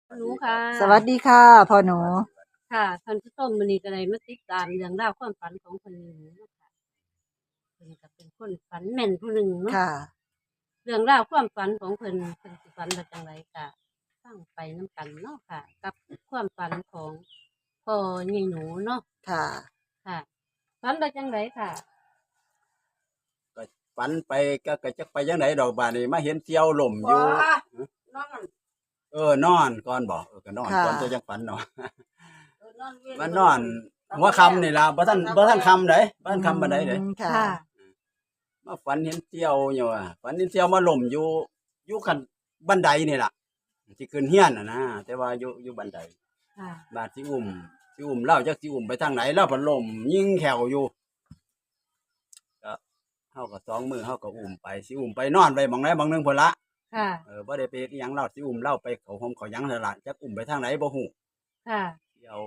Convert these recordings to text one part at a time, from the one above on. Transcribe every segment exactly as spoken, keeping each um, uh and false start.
หนูค่ะสวัสดีค่ะพ่อหนูค่ะท่านผู้ชมมื้อนี้ก็ได้มาติดตามเรื่องราวความฝันของเพิ่นหนูเนาะค่ะเพิ่นก็เป็นคนฝันแม่นผู้หนึ่งเนาะค่ะเรื่องราวความฝันของเพิ่นเพิ่นสิฝันว่าจังไดก็ฟังไปนํกันเนาะค่ะ กับความฝันของพ่อใหญ่หนูเนาะค่ะค่ะฝันว่าจังไดค่ะก็ฝันไปก็ก็จักไปจังไดดอกบาดนี้มาเห็นเสี่ยวล่มอยู่นอนเออนอนก่อนบ่เออก็นอนค่ะก่อนจะจังฝันเนาะเออนอนเว้นมันนอนหัวค่ำนี่ล่ะบ่ทันบ่ทันค่ำเด้บ่ทันค่ำปานใดเด้อืมค่ะค่ะมาฝันเห็นเสี่ยวอยู่ว่าฝันเห็นเสี่ยวมาล่มอยู่อยู่คันบันไดนี่ล่ะสิขึ้นเฮียนน่ะนะแต่ว่าอยู่อยู่บันไดค่ะบาดสิอุ้มสิอุ้มเล่าจักสิอุ้มไปทางไหนเล่าเพิ่นล่มยิงแขวอยู่ก็เฮาก็สองมือเฮาก็อุ้มไปสิอุ้มไปนอนไปหม้องใดหม้องหนึงพุ่นละค่ะเออบ่ได้ไปเฮ็ดอิหยังเล่าสิอุ้มเล่าไปเขาห่มเขาหยังนั่นล่ะจักอุ้มไปทางไหนบ่ฮู้ค่ะเที่ยว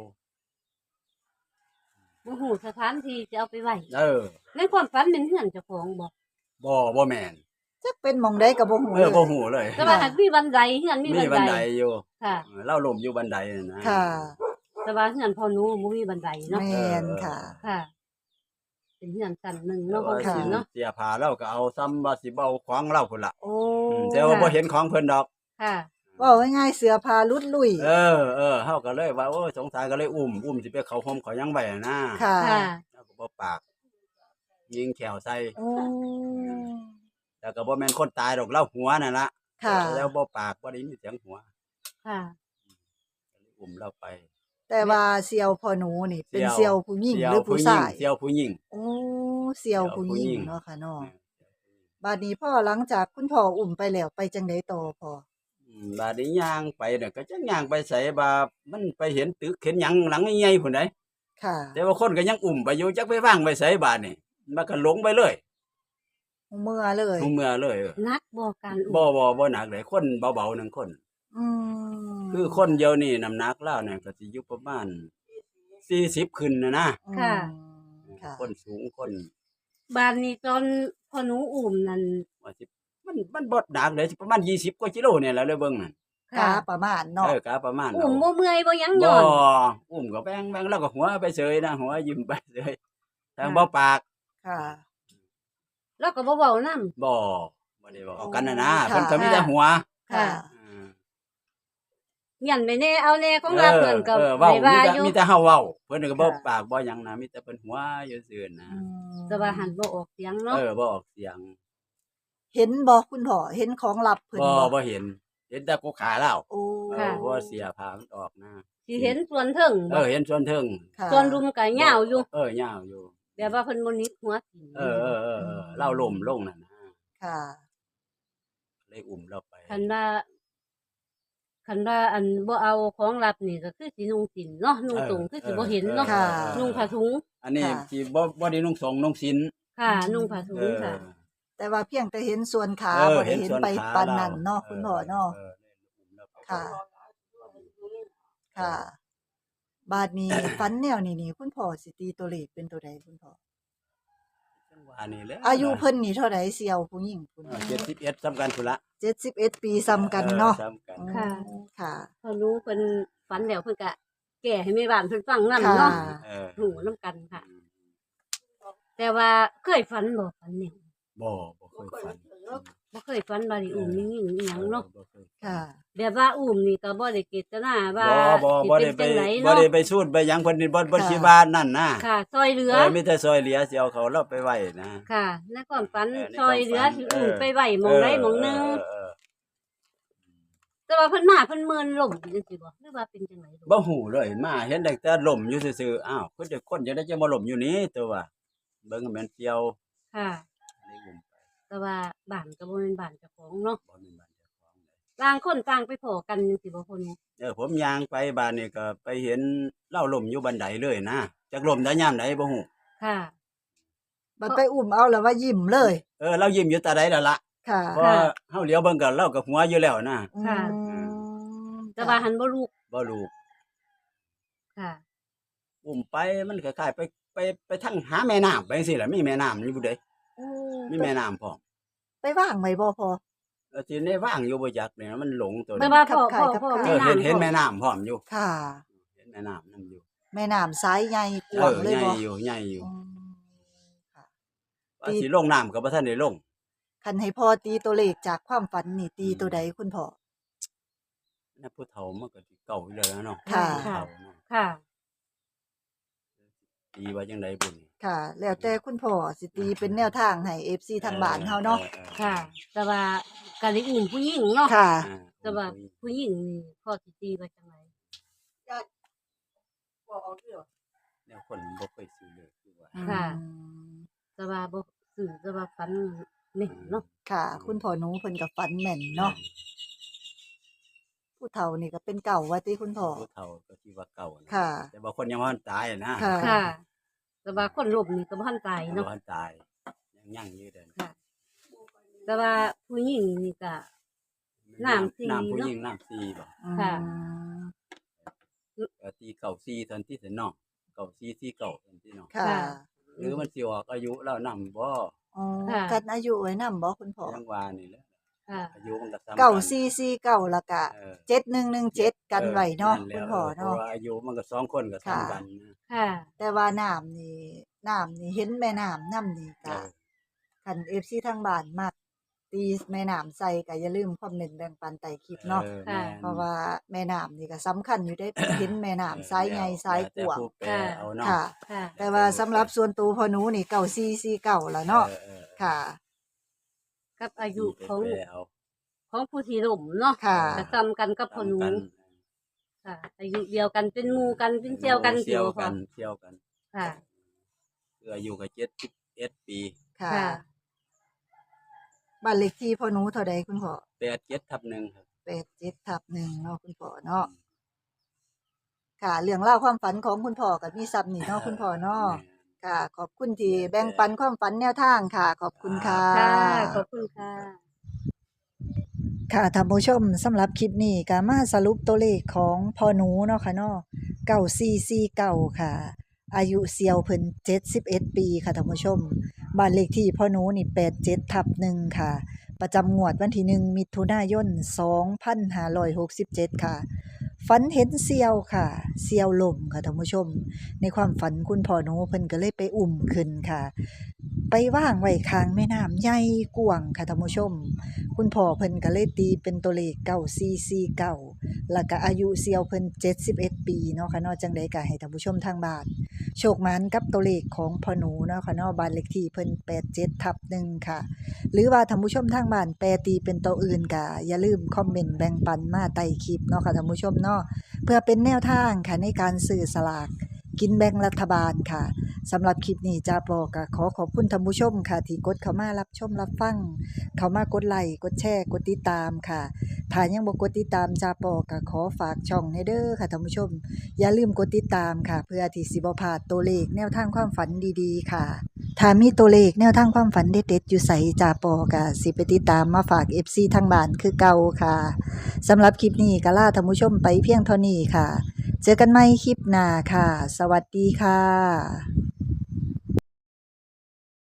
บ่ฮู้สถานที่จะเอาไปไว้เออในความฝันเป็นเฮือนเจ้าของบ่บ่บ่แม่นจักเป็นหมองได้กับบ่หูเอเลอย บ่ฮู้เลยแต่ว่าหากมีบันไดเฮือนมีมีบันบันไดไดอยู่ค่ะเออเล่าล่มอยู่บันไดนั่นนะค่ะแต่ว่าเฮือนพ่อหนูบ่มีบันไดเนาะแม่นค่ะค่ะ เป็นเฮือนชั้นหนึ่งแต่เนาะขอว่างเพิ่นเนาะเสียผ้าเราก็เอาซ้ำว่าสิเบาของเราพุ่นล่ะโอ้อืมแต่ว่าบ่เห็นของเพิ่นดอกค่ะเว่าง่ายๆเสือพาลุดลุยเออเออเฮาก็เลยว่าโอ้ยสงสารก็เลยอุ้มอุ้มสิไปเขาห่มเขาหยังไว้นะค่ะค่ะแล้วก็บ่ปาก ยิงแขวใส่โอ้แล้วก็บ่แม่นคนตายดอกเล่าหัวนั่นล่ะค่ะแล้วบ่ปากบ่ได้ยินเสียงหัวค่ะอุ้มเราไปแต่ว่าเสี่ยวพ่อหนูนี่ เป็นเสี่ยวเสี่ยวผู้หญิงเสี่ยวหรือผู้ชายเสี่ยวผู้หญิงโอ้เสี่ยวผู้หญิงเนาะค่ะเนาะบัดนี้พ่อหลังจากคุณพ่ออุ้มไปแล้วไปจังไดต่อพ่ออืมบาดนี้ย่างไปเนี่ยก็จักย่างไปใส่บามันไปเห็นตึกเห็นหยังหลังใหญ่ๆพุ่นใดค่ะแต่ว่าคนก็ยังอุ้มไปอยู่จักไปวางไปใส่บาดนี่มันก็หลงไปเลยเมื่อเลยทุกเมื่อเลยเออนักบ่การอุ้มบ่บ่บ่หนักเลยคนเบาๆหนึ่งคนอืมคือคนเดียวนี่น้ำหนักแล้วเนี่ยก็สิอยู่ประมาณสี่สิบขึ้นนะนะค่ะอืมค่ะคนสูงคนบ้านนี้ตอนพ่อหนูอุ้มนั่นว่าสิมันมันบ่หนักเลยสิประมาณยี่สิบกว่ากิโลเนี่ยแหละเลยเบิ่งนั่นกาประมาณเนาะเออกะประมาณอุ้มเอาบ่เมื่อยบ่หยังบ่ย้อนอุ้มก็แบงแบงแล้วก็หัวไปเฉยนะหัวยิ้มไปเฉยทางบ่ปากค่ะแล้วก็บ่เว้านำบ่บ่ได้บอกกันนะนะค่ะเพิ่นก็มีแต่หัวค่ะอืมยันไปแน่เอาแน่ของเราเพิ่นก็เออเว้าได้มีว่าแต่อยู่มีแต่เฮาเว้าเพิ่นก็บ่ค่ะปากบ่หยังนะมีแต่เพิ่นหัวอยู่ซื่อนะอืมแต่ว่าหันบ่ออกเสียงเนาะเออบ่ออกเสียงเห็นบ่คุณพ่อเห็นของลับเพิ่นบ่บ่บ่เห็น เห็นแต่กกขาแล้วโอ้เออบ่เสียผ้ามันออกนะสิเห็นส่วนเทิงเอบ่อเห็นส่วนเทิงค่ะส่วนรุมก็ยาวอยู่เออยาวอยู่แบบว่าเพิ่นบ่นิดหัวทิ่มเออเออเออเออเล่าล่มลงนั่นนะค่ะเลยอุ้มเราไปคันว่าคันว่าอันบ่เอาของลับนี่ก็คือสินุ่งสินเนาะนุ่งตรงคือสิบ่เห็นเนาะค่ะนุ่งผ้าถุงอันนี้ค่ะที่บ่บ่ได้นุ่งสงนุ่งศีลค่ะ นุ่งผ้าถุเอง อค่ะแต่ว่าเพียงแต่เห็นส่วนขาเออบ่ได้เห็นส่วนไปขาปานนั้นเนาะรคุณพ่อเนาะออเลยอุ้มเราไปค่ะ ค่ะ บาดนี้ ฝันแนวนี้นี่คุณพ่อสิตีตัวเลขเป็นตัวใดคุณพ่อจังหวะนี้แหละอายุเพิ่นนี่เท่าใดเสี่ยวผู้หญิงคุณเออเจ็ดสิบเอ็ดสำคัญพุ่นละเจ็ดสิบเอ็ดปีซ้ำกันเนาะออซ้ำกันค่ะอืมค่ะพอรู้เพิ่นฝันแล้วเพิ่นก็แก้ให้แม่บ้านเพิ่นฟังนำค่ะเนาะเออหูนํกันค่ะ แต่ว่าเคยฝันบ่ฝันแนวบ่บ่เคยฝันบ่เคยฝันว่าได้อุ้มยิ่งๆอีหยังเนาะบ่เคยค่ะแบบว่าอุ้มนี่ก็บ่ได้เจตนาว่าบ่บ่สิบ่เป็ได้นไปจังไดบ่เนาะได้ไปสูดไปหยังเพิ่นนี่บ่บ่ค่ะสิว่านั่นนะค่ะซอยเหลือเออมีแต่ซอยเหลือสิเอาเขาเราไปไว้นะค่ะในความฝันเออในซอยเหลือความฝันสิอุ้มเออไปไว้หม้องใดหม้องหนึงเออเออแต่ว่าเพิ่นมาเพิ่นเมินล่มจังซี่บ่หรือว่าเป็นจังไดบ่ฮู้เลยมาเห็นแต่แต่ล่มอยู่ซื่อๆอ้าวคนจะคนจะได้จะมาล่มอยู่นี้ตัวว่าเบิ่งให้มันเกี่ยวค่ะเลยอุ้มไปแต่ว่าบ้านก็บ่แม่นบ้านเจ้าของเนาะบ่มีบ้านเจ้าของเลยต่างคนต่างไปพ้อกันจังซี่บ่คนนี้เออผมย่างไปบ้านนี่ก็ไปเห็นเล่าล่มอยู่บันไดเลยนะจักล่มได้ยามใดบ่ฮู้ค่ะบัดไปอุ้มเอาแล้วว่ายิ้มเลยเออเรายิ้มอยู่ตาใดแล้วล่ะค่ะเพราะเฮาเหลียวเบิ่งก็เล่าก็หัวอยู่แล้วนะค่ะอืมแต่ว่าหันบ่ลูกบ่รู้ค่ะอุ้มไปมันคล้ายๆไปไปไปทางหาแม่น้ำไปจังซี่แหละมีแม่น้ำอยู่เด้โอ้มีแม่น้ำพร้อมไปว่างไว้บ่พอแล้วที่ได้ว่างอยู่บ่จักเนี่ยมันหลงตัวแต่นี้ว่าพ่อขัพ่อบขายพ่อขับเอขายอเห็นแม่น้ำเห็นพ่อแม่น้ำพร้อมอยู่ค่ะเห็นแม่น้ำนํอยู่แม่น้ำสายใหญ่กเอว้างอเลยใหญ่บ่อยู่ใหญ่อยู่อืมค่ะว่าสิลงน้ำก็บ่ทันได้ลงคันให้พ่อตีตัวเลขจากความฝันนี่ตีตัวใดคุณพ่อนะผู้เฒ่ามันก็สิเก่าอยู่แล้วเนาะค่ะผู้เฒ่าเนาะค่ะตีว่าจังได๋บุญค่ะ แล้วแต่คุณพ่อสิตีเป็นแนวทางให้ เอฟ ซี ทางบ้านเฮาเนาะออออค่ะ แต่ว่าการได้อุ่นผู้หญิงเนาะค่ะอ่าแต่ว่าผู้หญิงนี่พ่อสิตีว่าจังไดแนวคนบ่เคยซื้อเลยคือว่าค่ะอืมแต่ว่าบ่สื่อแต่ว่าฝันแม่นเนาะค่ะ คุณพ่อหนูเพิ่นก็ฝันแม่นเนาะ ผู้เฒ่านี่ก็เป็นเก่าว่าติคุณพ่อผู้เฒ่าก็สิว่าเก่านะค่ะแต่ว่าคนยังบ่ทันตายอะนะค่ะค่ะ แต่ว่าคนล้มนี่ก็บ่ทันตายยังเนาะบ่ทันตายยังยั่งอยู่เด้อค่ะ แต่ว่าผู้หญิงนี่ก็ น้ำสี่น้ำผู้เนาะหญิงน้ำสี่บ่ค่ะอืมก็ตีเก่าสี่ทันที่สิเนาะเก่าสี่สี่เก่าทันที่เนาะค่ะค่ะหรือมันสิออกอายุแล้วนำบ่อ๋อค่ะกันอายุไว้นำบ่คุณพ่อยังว่านี่แหละค่ะอายุมันก็ซ้ำเก้าสี่สี่เก้าแล้วก็เออเจ็ดหนึ่งหนึ่งเจ็ดกันไว้เนาะแหลคุณพ่อเพราะเนาะว่าอายุมันก็สองคนก็ค่ะซ้ำกันนะค่ะแต่ว่าน้ำนี่น้ำนี่เห็นแม่น้ำน้ำนี่เอก็อคัน เอฟ ซี ทางบ้านมักตีแม่น้ำใส่ก็อย่าลืมคอมเมนต์แบ่งปันใต้คลิปเนาะออค่ะแม่นเพราะว่าแม่น้ำนี่ก็สำคัญอยู่ได้ เห็นแม่น้ำสายใหญ่สายกว้างแล้วแต่ผู้แปลเอาเนาะค่ะค่ะแต่ว่าสำหรับส่วนตัวพ่อหนูนี่เก้าสี่สี่เก้าแล้วเนาะออออค่ะกับอายุของผู้แปลเอาของผู้ที่ล้มเนาะค่ะก็ซ้ำกันกับพ่อหนูซ้ำกัค่ะ อายุเดียวกันเป็นหมู่กันเป็นเจียวกันเที่ยวพ่กัอนเที่ยวกันค่ะคืออายุก็เจ็ดสิบเอ็ดปีค่ะค่ะบ้านเลขที่พ่อหนูเท่าใดคุณพ่อแปดเจ็ดทับหนึ่งครับแปดเจ็ดทับหนึ่งเนาะคุณพ่อเนาะค่ะ เรื่องเล่าวความฝันของคุณพ่อกับมีซับนี่เนาะคุณพ่อเนาะค่ะ ขอบคุณที่แบ่งปันความฝันแนวทางค่ะ ขอบคุณค่ะค่ะ ขอบคุณค่ะค่ะท่านผู้ชมสำหรับคลิปนี้ก็มาสรุปตัวเลขของพ่อหนูเนาะค่ะเนาะเก้าสี่สี่เก้าค่ะ อายุเซียวเพิ่นเจ็ดสิบเอ็ดปีค่ะท่านผู้ชมบ้านเลขที่พ่อหนูนี่แปดเจ็ดทับหนึ่งค่ะ ประจำงวดวันที่หนึ่งมิถุนายนสองพันห้าร้อยหกสิบเจ็ดค่ะ ฝันเห็นเซียวค่ะ เซียวลมค่ะท่านผู้ชม ในความฝันคุณพ่อหนูเพิ่นก็เลยไปอุ่มขึ้นค่ะ ไปว่างไว้ข้างแม่น้ำใหญ่กว้างค่ะท่านผู้ชม คุณพ่อเพิ่นก็เลยตีเป็นตัวเลขเก้าสี่สี่เก้าแล้วก็อายุเซียวเพิ่นเจ็ดสิบเอ็ดปีเนาะค่ะเนาะจังได๋ก็ให้ท่านผู้ชมทางบ้านโชคหมานกับตัวเลขของพ่อหนูเนาะค่ะเนาะบ้านเลขที่เพิ่นแปดเจ็ดทับหนึ่งค่ะ หรือว่าท่านผู้ชมทางบ้านแปลตีเป็นตัวอื่นก็อย่าลืมคอมเมนต์แบ่งปันมาใต้คลิปเนาะค่ะท่านผู้ชมเนาะเพื่อเป็นแนวทางค่ะในการซื้อสลากกินแบ่งรัฐบาลค่ะสำหรับคลิปนี้จ้าปอก็ขอขอบคุณท่านผู้ชมค่ะที่กดเข้ามารับชมรับฟังเข้ามากดไลค์กดแชร์กดติดตามค่ะถ้ายังบ่กดติดตามจ้าปอก็ขอฝากช่องให้เด้อค่ะท่านผู้ชมอย่าลืมกดติดตามค่ะเพื่อที่สิบ่พลาดตัวเลขแนวทางความฝันดีๆค่ะถ้ามีตัวเลขแนวทางความฝันเด็ดๆอยู่ไสจ้าปอก็สิไปติดตามมาฝาก เอฟ ซี ทางบ้านคือเก่าค่ะสำหรับคลิปนี้ก็ลาท่านผู้ชมไปเพียงเท่านี้ค่ะเจอกันใหม่คลิปหน้าค่ะ สวัสดีค่ะ